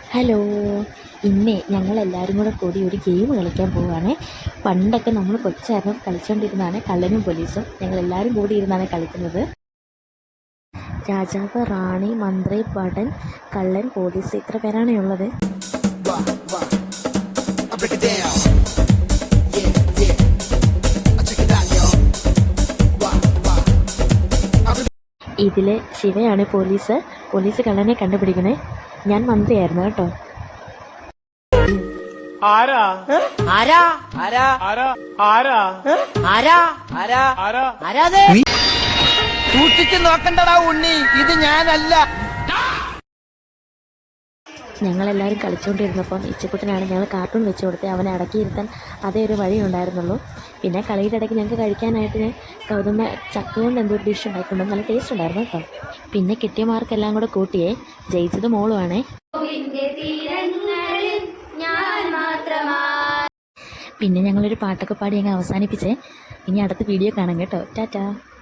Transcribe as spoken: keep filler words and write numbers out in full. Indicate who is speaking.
Speaker 1: Hello, ഇന്നേ ഞങ്ങളെല്ലാവരും കൂടെ കൂടി ഒരു ഗെയിം കളിക്കാൻ പോവുകയാണ്. പണ്ടൊക്കെ നമ്മൾ കൊച്ചായിരുന്നു കളിച്ചുകൊണ്ടിരുന്നതാണ് കള്ളനും പോലീസും. ഞങ്ങളെല്ലാവരും കൂടി ഇരുന്നാണ് കളിക്കുന്നത്. രാജാവ്, റാണി, മന്ത്രി, ഭടൻ, കള്ളൻ, പോലീസ്, ഇത്ര പേരാണ് ഉള്ളത്. ഇതില് ശിവയാണ് പോലീസ്. പോലീസ് കള്ളനെ കണ്ടുപിടിക്കണേ. ഞാൻ മന്ത്രിയായിരുന്നു കേട്ടോ.
Speaker 2: ആരാ
Speaker 3: ആരാ ആരാ
Speaker 2: ആരാ ആരാ
Speaker 3: ആരാ ആരാ
Speaker 2: ആരാ
Speaker 3: ആരാതെ സൂക്ഷിച്ചു നോക്കണ്ടടാ ഉണ്ണി, ഇത് ഞാനല്ല.
Speaker 1: ഞങ്ങളെല്ലാവരും കളിച്ചുകൊണ്ടിരുന്നപ്പം ഇച്ചക്കുട്ടനാണ് ഞങ്ങൾ കാർട്ടൂൺ വെച്ച് കൊടുത്ത് അവനെ അടക്കിയിരുത്താൻ അതേ ഒരു വഴി ഉണ്ടായിരുന്നുള്ളൂ. പിന്നെ കളിയുടെ ഇടയ്ക്ക് ഞങ്ങൾക്ക് കഴിക്കാനായിട്ട് ഞാൻ ഗൗതമ ചക്ക കൊണ്ട് എന്തോ ഡിഷ് ഉണ്ടായിട്ടുണ്ട്. നല്ല ടേസ്റ്റ് ഉണ്ടായിരുന്നു കേട്ടോ. പിന്നെ കിട്ടിയ മാർക്കെല്ലാം കൂടെ കൂട്ടിയേ. ജയിച്ചത് മോളുമാണേ. പിന്നെ ഞങ്ങളൊരു പാട്ടൊക്കെ പാടി ഞങ്ങൾ അവസാനിപ്പിച്ചേ. ഇനി അടുത്ത വീഡിയോ കാണാം കേട്ടോ. ടാറ്റാ.